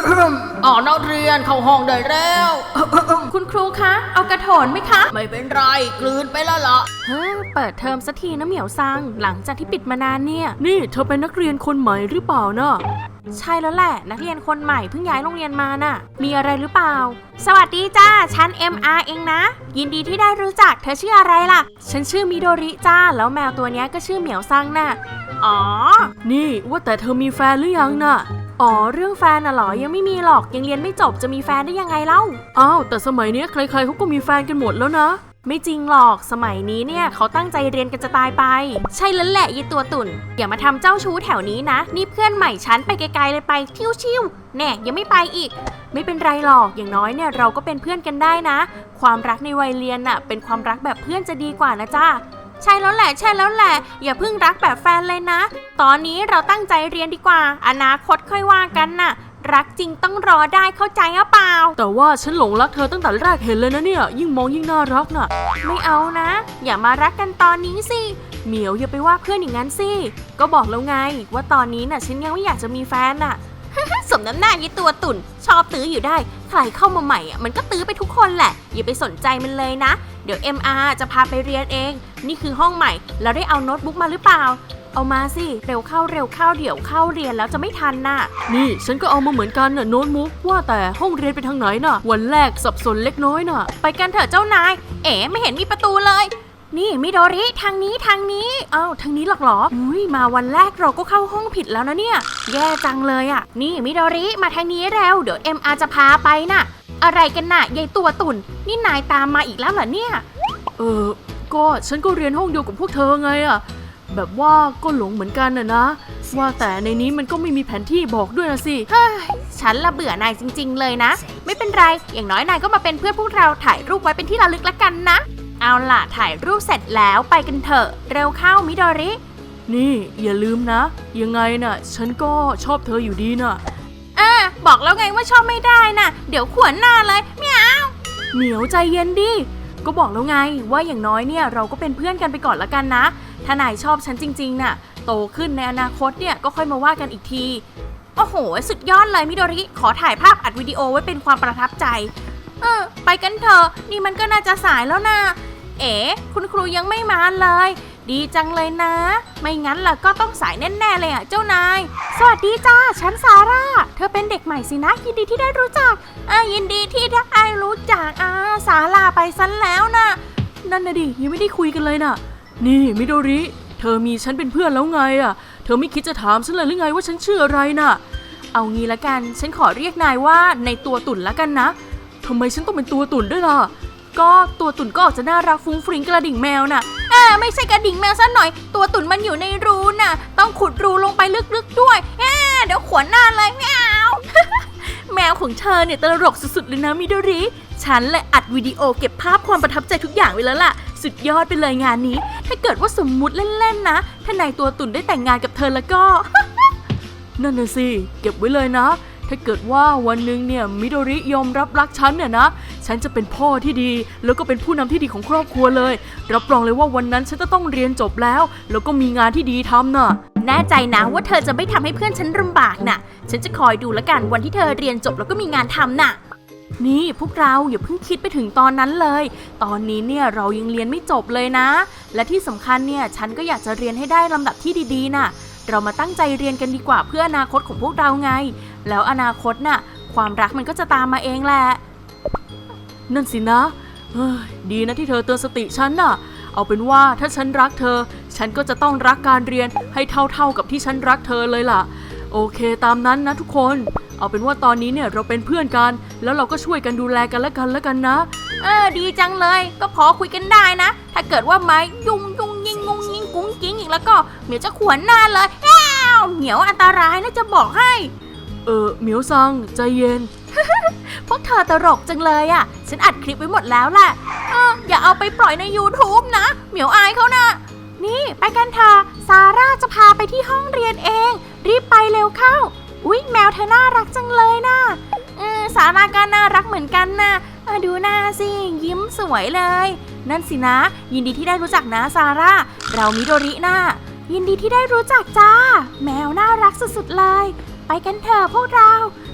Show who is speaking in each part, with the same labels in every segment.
Speaker 1: นักเรียนเข้าห้องได้แล้ว
Speaker 2: คุณครูคะเอากระโถนไหมคะ
Speaker 1: ไม่เป็นไรกลืนไปแล้วล่ะ
Speaker 2: เปิดเทอมสักทีนะเหมียวซังหลังจากที่ปิดมานานเนี่ย
Speaker 3: นี่เธอเป็นนักเรียนคนใหม่หรือเปล่านะ
Speaker 2: ใช่แล้วแหละนักเรียนคนใหม่เพิ่งย้ายโรงเรียนมาน่ะมีอะไรหรือเปล่าสวัสดีจ้าฉัน MR เองนะยินดีที่ได้รู้จักเธอชื่ออะไรล่ะฉันชื่อมิโดริจ้าแล้วแมวตัวนี้ก็ชื่อเหมียวซังน่ะอ๋อ
Speaker 3: นี่ว่าแต่เธอมีแฟนหรือยังน่ะ
Speaker 2: อ๋อเรื่องแฟนน่ะหรอยังไม่มีหรอกยังเรียนไม่จบจะมีแฟนได้ยังไงเล่า
Speaker 3: อ้าวแต่สมัยนี้ใครๆเขาก็มีแฟนกันหมดแล้วนะ
Speaker 2: ไม่จริงหรอกสมัยนี้เนี่ยเขาตั้งใจเรียนกันจะตายไปใช่แล้วแหละยีตัวตุ่นอย่ามาทำเจ้าชู้แถวนี้นะนี่เพื่อนใหม่ฉันไปไกลๆเลยไปชิวๆแน่ยังไม่ไปอีกไม่เป็นไรหรอกอย่างน้อยเนี่ยเราก็เป็นเพื่อนกันได้นะความรักในวัยเรียนน่ะเป็นความรักแบบเพื่อนจะดีกว่านะจ้าใช่แล้วแหละอย่าเพิ่งรักแบบแฟนเลยนะตอนนี้เราตั้งใจเรียนดีกว่าอนาคตค่อยว่ากันน่ะรักจริงต้องรอได้เข้าใจหรือเปล่า
Speaker 3: แต่ว่าฉันหลงรักเธอตั้งแต่แรกเห็นเลยนะเนี่ยยิ่งมองยิ่งน่ารักน่ะ
Speaker 2: ไม่เอานะอย่ามารักกันตอนนี้สิเหมียวอย่าไปว่าเพื่อนอย่างนั้นสิก็บอกแล้วไงว่าตอนนี้น่ะฉันยังไม่อยากจะมีแฟนน่ะ สมน้ำหน้ายี่ตัวตุ่นชอบตื้ออยู่ได้ใครเข้ามาใหม่อ่ะมันก็ตื้อไปทุกคนแหละอย่าไปสนใจมันเลยนะเดี๋ยว MR จะพาไปเรียนเองนี่คือห้องใหม่แล้วได้เอาโน้ตบุ๊กมาหรือเปล่าเอามาสิเร็วเข้าเดี๋ยวเข้าเรียนแล้วจะไม่ทันน่ะ
Speaker 3: นี่ฉันก็เอามาเหมือนกันน่ะโน้ตบุ๊กว่าแต่ห้องเรียนไปทางไหนน่ะวันแรกสับสนเล็กน้อยน่ะ
Speaker 2: ไปกันเถอะเจ้านายไม่เห็นมีประตูเลยนี่มิโดริทางนี้อ้าวทางนี้หรอกเหรอมาวันแรกเราก็เข้าห้องผิดแล้วนะเนี่ยแย่จังเลยอ่ะนี่มิโดริมาทางนี้เร็วเดี๋ยว MR จะพาไปน่ะอะไรกันน่ะยายตัวตุ่นนี่นายตามมาอีกแล้วเหรอเนี่ย
Speaker 3: ก็ฉันก็เรียนห้องเดียวกับพวกเธอไงอ่ะแบบว่าก็หลงเหมือนกันนะว่าแต่ในนี้มันก็ไม่มีแผนที่บอกด้วยนะสิ
Speaker 2: ฉันละเบื่อนายจริงๆเลยนะไม่เป็นไรอย่างน้อยนายก็มาเป็นเพื่อนพวกเราถ่ายรูปไว้เป็นที่ระลึกละกันนะเอาล่ะถ่ายรูปเสร็จแล้วไปกันเถอะเร็วเข้ามิโดริ
Speaker 3: นี่อย่าลืมนะยังไงน่ะฉันก็ชอบเธออยู่ดีน่ะ
Speaker 2: บอกแล้วไงว่าชอบไม่ได้น่ะเดี๋ยวขวนหน้าเลยเหมียว
Speaker 3: เหมียวใจเย็นดิก็บอกแล้วไงว่าอย่างน้อยเนี่ยเราก็เป็นเพื่อนกันไปก่อนละกันนะถ้านายชอบฉันจริงๆน่ะโตขึ้นในอนาคตเนี่ยก็ค่อยมาว่ากันอีกที
Speaker 2: โอ้โหสุดยอดเลยมิโดริขอถ่ายภาพอัดวิดีโอไว้เป็นความประทับใจไปกันเถอะนี่มันก็น่าจะสายแล้วนะคุณครูยังไม่มาเลยดีจังเลยนะไม่งั้นล่ะก็ต้องสายแน่ๆเลยอ่ะเจ้านายสวัสดีจ้าฉันซาร่าเธอเป็นเด็กใหม่สินะยินดีที่ได้รู้จักยินดีที่ได้รู้จักซาร่าไปซะแล้วนะ
Speaker 3: นั่นน่ะดิยังไม่ได้คุยกันเลยน่ะนี่มิโดริเธอมีฉันเป็นเพื่อนแล้วไงอ่ะเธอไม่คิดจะถามฉันเลยหรือไงว่าฉันชื่ออะไรน่ะ
Speaker 2: เอางี้ละกันฉันขอเรียกนายว่าในตัวตุ่นละกันนะ
Speaker 3: ทำไมฉันต้องเป็นตัวตุ่นด้วยล่ะ
Speaker 2: ก็ตัวตุ่นก็ออกจะน่ารักฟุ้งฟริ้งกระดิ่งแมวน่ะไม่ใช่กระดิ่งแมวซะหน่อยตัวตุ่นมันอยู่ในรูน่ะต้องขุดรูลงไปลึกๆด้วยเดี๋ยวขวนหน้าเลยแมว แมวของเธอเนี่ยตลกสุดๆเลยนะมิโดริฉันเลยอัดวิดีโอเก็บภาพความประทับใจทุกอย่างไว้แล้วล่ะสุดยอดไปเลยงานนี้ถ้าเกิดว่าสมมุติเล่นๆนะถ้านายตัวตุ่นได้แต่งงานกับเธอแล้วก็
Speaker 3: นั่นน่ะสิเก็บไว้เลยนะถ้าเกิดว่าวันหนึ่งเนี่ยมิโดริยอมรับรักฉันเนี่ยนะฉันจะเป็นพ่อที่ดีแล้วก็เป็นผู้นำที่ดีของครอบครัวเลยรับรองเลยว่าวันนั้นฉันจะต้องเรียนจบแล้วก็มีงานที่ดีทำน่ะ
Speaker 2: แน่ใจนะว่าเธอจะไม่ทำให้เพื่อนฉันลำบากน่ะฉันจะคอยดูแล้วกันวันที่เธอเรียนจบแล้วก็มีงานทำน่ะนี่พวกเราอย่าเพิ่งคิดไปถึงตอนนั้นเลยตอนนี้เนี่ยเรายังเรียนไม่จบเลยนะและที่สำคัญเนี่ยฉันก็อยากจะเรียนให้ได้ลำดับที่ดีๆน่ะเรามาตั้งใจเรียนกันดีกว่าเพื่ออนาคตของพวกเราไงแล้วอนาคตน่ะความรักมันก็จะตามมาเองแหละ
Speaker 3: นั่นสินะดีนะที่เธอเตือนสติฉันน่ะเอาเป็นว่าถ้าฉันรักเธอฉันก็จะต้องรักการเรียนให้เท่ากับที่ฉันรักเธอเลยล่ะโอเคตามนั้นนะทุกคนเอาเป็นว่าตอนนี้เนี่ยเราเป็นเพื่อนกันแล้วเราก็ช่วยกันดูแลกันแล้วกันนะ
Speaker 2: ดีจังเลยก็พอคุยกันได้นะถ้าเกิดว่าไม้ยุ่งยิงงงยิงกุ้งกิ้งอีกแล้วก็เหมียวจะขวนหน้าเลยเหมียวอันตรายนะจะบอกให้
Speaker 3: เหมียวซังใจเย็น
Speaker 2: พวกเธอตลกจังเลยอ่ะฉันอัดคลิปไว้หมดแล้วแหละอย่าเอาไปปล่อยใน YouTube นะเหมียวอายเขานะนี่ไปกันเถอะซาร่าจะพาไปที่ห้องเรียนเองรีบไปเร็วเข้าอุ๊ยแมวเธอน่ารักจังเลยนะซาร่าก็น่ารักเหมือนกันนะดูหน้าสิยิ้มสวยเลยนั่นสินะยินดีที่ได้รู้จักนะซาร่าเรามิโดรินะยินดีที่ได้รู้จักจ้าแมวน่ารักสุดๆเลยไปกันเถอะพวกเรา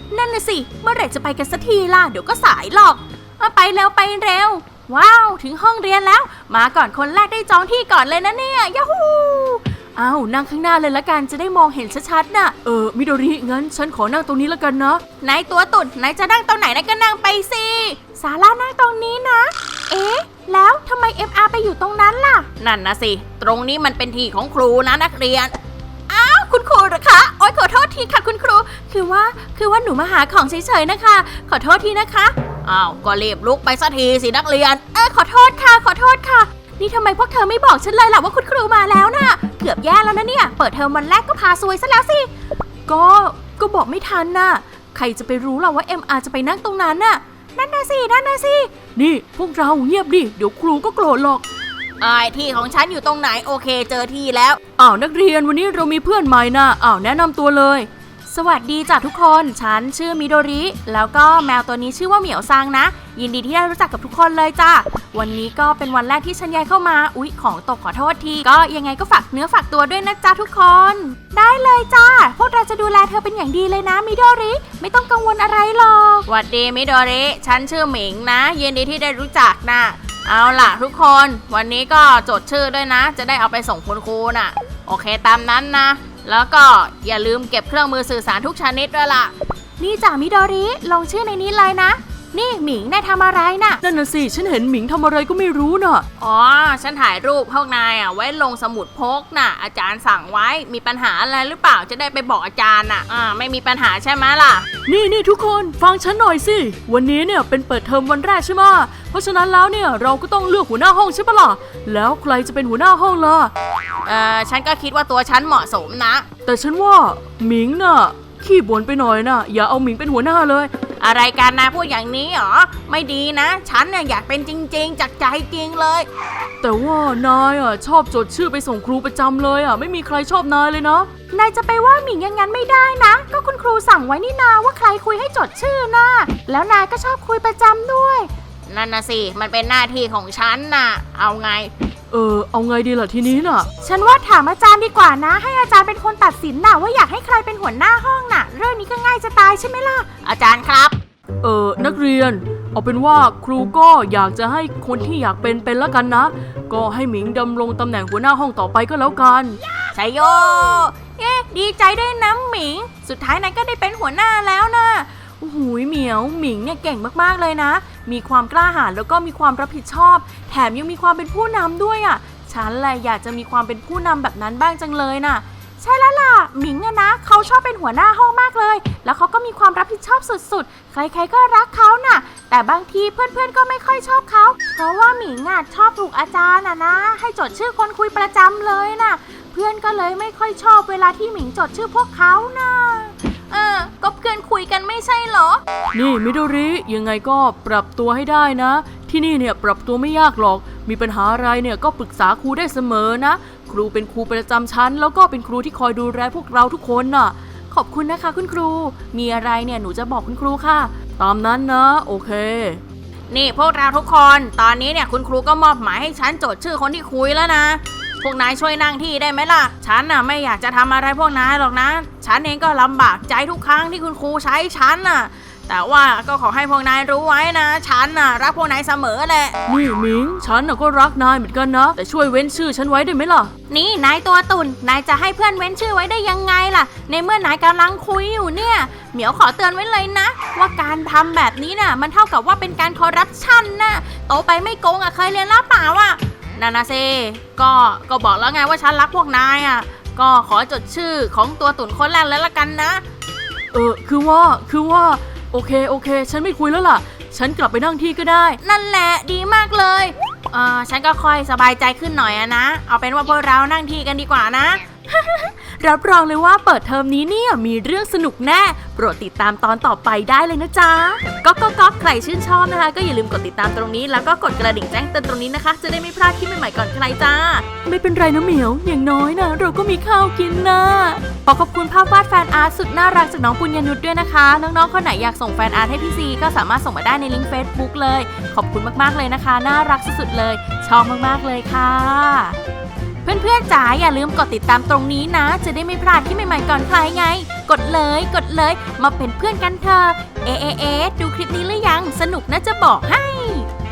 Speaker 2: นั่นน่ะสิเมื่อไหร่จะไปกันสักทีล่ะเดี๋ยวก็สายหรอกไปเร็วไปเร็วว้าวถึงห้องเรียนแล้วมาก่อนคนแรกได้จองที่ก่อนเลยนะเนี่ยยาฮูอ้าวนั่งข้างหน้าเลยละกันจะได้มองเห็นชัดๆน่ะ
Speaker 3: มิโดริงั้นฉันขอนั่งตรงนี้ละกันนะ
Speaker 2: นายตัวตุ่นนายจะนั่งตรงไหนนายก็นั่งไปสิซาร่านั่งตรงนี้นะเอ๊ะแล้วทำไม MR ไปอยู่ตรงนั้นล่ะ
Speaker 1: นั่นนะสิตรงนี้มันเป็นที่ของครูนะนักเรียน
Speaker 2: อ้าวคุณครูเหรอคะโอ๊ยขอโทษทีค่ะคุณครูคือว่าหนูมาหาของเฉยๆนะคะขอโทษทีนะคะ
Speaker 1: อ้าวก็รีบลุกไปสักทีสินักเรียน
Speaker 2: ขอโทษค่ะนี่ทำไมพวกเธอไม่บอกฉันเลยล่ะว่าคุณครูมาแล้วน่ะเกือบแย่แล้วนะเนี่ยเปิดเทอมวันแรกก็พาซวยซะแล้วสิก็บอกไม่ทันน่ะใครจะไปรู้ล่ะว่า MR จะไปนั่งตรงนั้นน่ะนั่นน่ะสิ
Speaker 3: นี่พวกเราเงียบดิเดี๋ยวครูก็โกรธหรอก
Speaker 1: ที่ของฉันอยู่ตรงไหนโอเคเจอที่แล้ว
Speaker 3: นักเรียนวันนี้เรามีเพื่อนใหม่นะแนะนำตัวเลย
Speaker 2: สวัสดีจ้ะทุกคนฉันชื่อมิโดริแล้วก็แมวตัวนี้ชื่อว่าเหมียวซังนะยินดีที่ได้รู้จักกับทุกคนเลยจ้ะวันนี้ก็เป็นวันแรกที่ฉันย้ายเข้ามาอุ๊ยของตกขอโทษทีก็ยังไงก็ฝากเนื้อฝากตัวด้วยนะจ๊ะทุกคนได้เลยจ้าพวกเราจะดูแลเธอเป็นอย่างดีเลยนะมิโดริไม่ต้องกังวลอะไรหรอก
Speaker 1: สวัสดีมิโดริฉันชื่อหมิงนะยินดีที่ได้รู้จักนะเอาล่ะทุกคนวันนี้ก็จดชื่อด้วยนะจะได้เอาไปส่งคุณครูน่ะโอเคตามนั้นนะแล้วก็อย่าลืมเก็บเครื่องมือสื่อสารทุกชนิดด้วยล่ะ
Speaker 2: นี่จ้ะมิโดริลงชื่อในนี้เลยนะนี่หมิงนายทำอะไรน่ะ
Speaker 3: นั่นน่ะสิฉันเห็นหมิงทำอะไรก็ไม่รู้น่ะ
Speaker 1: ฉันถ่ายรูปพวกนายไว้ลงสมุดพกน่ะอาจารย์สั่งไว้มีปัญหาอะไรหรือเปล่าจะได้ไปบอกอาจารย์น่ะไม่มีปัญหาใช่ไหมล่ะ
Speaker 3: นี่ทุกคนฟังฉันหน่อยสิวันนี้เนี่ยเป็นเปิดเทอมวันแรกใช่ไหมเพราะฉะนั้นแล้วเนี่ยเราก็ต้องเลือกหัวหน้าห้องใช่ปะล่ะแล้วใครจะเป็นหัวหน้าห้องล่ะ
Speaker 1: ฉันก็คิดว่าตัวฉันเหมาะสมนะ
Speaker 3: แต่ฉันว่าหมิงน่ะขี้บ่นไปหน่อยนะอย่าเอาหมิงเป็นหัวหน้าเลย
Speaker 1: อะไรกันนายพูดอย่างนี้หรอไม่ดีนะฉันเนี่ยอยากเป็นจริงๆจากใจจริงเลย
Speaker 3: แต่ว่านายชอบจดชื่อไปส่งครูประจำเลยไม่มีใครชอบนายเลยนะ
Speaker 2: นายจะไปว่าหมิงอย่างนั้นไม่ได้นะก็คุณครูสั่งไว้นี่นาว่าใครคุยให้จดชื่อนะแล้วนายก็ชอบคุยประจำด้วย
Speaker 1: นั่นนะสิมันเป็นหน้าที่ของฉันน่ะเอาไง
Speaker 3: เอาไงดีล่ะทีนี้น่ะ
Speaker 2: ฉันว่าถามอาจารย์ดีกว่านะให้อาจารย์เป็นคนตัดสินน่ะว่าอยากให้ใครเป็นหัวหน้าห้องน่ะเรื่องนี้ก็ง่ายจะตายใช่ไหมล่ะ
Speaker 1: อาจารย์ครับ
Speaker 3: นักเรียนเอาเป็นว่าครูก็อยากจะให้คนที่อยากเป็นละกันนะก็ให้หมิงดำรงตำแหน่งหัวหน้าห้องต่อไปก็แล้วกัน
Speaker 1: ชัยโย
Speaker 2: ดีใจด้วยนะหมิงสุดท้ายนายก็ได้เป็นหัวหน้าแล้วนะโอ้โหเหมียวหมิงเนี่ยเก่งมากๆเลยนะมีความกล้าหาญแล้วก็มีความรับผิดชอบแถมยังมีความเป็นผู้นำด้วยฉันแหละอยากจะมีความเป็นผู้นำแบบนั้นบ้างจังเลยน่ะใช่แล้วล่ะหมิงนะเขาชอบเป็นหัวหน้าห้องมากเลยแล้วเขาก็มีความรับผิดชอบสุดๆใครๆก็รักเขาน่ะแต่บางทีเพื่อนๆก็ไม่ค่อยชอบเขาเพราะว่าหมิงชอบถูกอาจารย์นะให้จดชื่อคนคุยประจำเลยน่ะเพื่อนก็เลยไม่ค่อยชอบเวลาที่หมิงจดชื่อพวกเขาน่ะก็เพื่อนคุยกันไม่ใช่เหรอ
Speaker 3: นี่มิโดริยังไงก็ปรับตัวให้ได้นะที่นี่เนี่ยปรับตัวไม่ยากหรอกมีปัญหาอะไรเนี่ยก็ปรึกษาครูได้เสมอนะครูเป็นครูประจำชั้นแล้วก็เป็นครูที่คอยดูแลพวกเราทุกคนน่ะ
Speaker 2: ขอบคุณนะคะคุณครูมีอะไรเนี่ยหนูจะบอกคุณครูค่ะ
Speaker 3: ตามนั้นนะโอเค
Speaker 1: นี่พวกเราทุกคนตอนนี้เนี่ยคุณครูก็มอบหมายให้ฉันจดชื่อคนที่คุยแล้วนะพวกนายช่วยนั่งที่ได้ไหมล่ะฉันน่ะไม่อยากจะทำอะไรพวกนายหรอกนะฉันเองก็ลำบากใจทุกครั้งที่คุณครูใช้ฉันน่ะแต่ว่าก็ขอให้พวกนายรู้ไว้นะฉันน่ะรักพวกนายเสมอแหละ
Speaker 3: นี่หมิงฉันน่ะก็รักนายเหมือนกันนะแต่ช่วยเว้นชื่อฉันไว้ได้ไหมล่ะ
Speaker 2: นี่นายตัวตุ่นนายจะให้เพื่อนเว้นชื่อไว้ได้ยังไงล่ะในเมื่อนายกำลังคุยอยู่เนี่ยเหมียวขอเตือนไว้เลยนะว่าการทำแบบนี้น่ะมันเท่ากับว่าเป็นการคอร์รัปชันน่ะโตไปไม่โกงเคยเรียนแล้วเปล่า
Speaker 1: นานาเซก็บอกแล้วไงว่าฉันรักพวกนายก็ขอจดชื่อของตัวตุ่นคนแรกแล้วละกันนะ
Speaker 3: คือว่าโอเคฉันไม่คุยแล้วล่ะฉันกลับไปนั่งที่ก็ได้
Speaker 2: นั่นแหละดีมากเลย
Speaker 1: ฉันก็ค่อยสบายใจขึ้นหน่อยนะเอาเป็นว่าพวกเรานั่งที่กันดีกว่านะ
Speaker 2: รับรองเลยว่าเปิดเทอมนี้เนี่ยมีเรื่องสนุกแน่โปรดติดตามตอนต่อไปได้เลยนะจ๊ะก็ใครชื่นชอบนะคะก็อย่าลืมกดติดตามตรงนี้แล้วก็กดกระดิ่งแจ้งเตือนตรงนี้นะคะจะได้ไม่พลาดคลิปใหม่ๆก่อนใครจ้า
Speaker 3: ไม่เป็นไรนะเหมียวอย่างน้อยนะเราก็มีข้าวกินนะ
Speaker 2: ขอบคุณภาพวาดแฟนอาร์ตสุดน่ารักจากน้องปุญญนุชด้วยนะคะน้องๆคนไหนอยากส่งแฟนอาร์ตให้พี่ซีก็สามารถส่งมาได้ในลิงก์ Facebook เลยขอบคุณมากๆเลยนะคะน่ารักสุดๆเลยชอบมากๆเลยค่ะเพื่อนๆจ๋าอย่าลืมกดติดตามตรงนี้นะจะได้ไม่พลาดคลิปใหม่ๆก่อนใครไงกดเลยกดเลยมาเป็นเพื่อนกันเถอะเอ๊ะดูคลิปนี้หรือยังสนุกนะจะบอกให้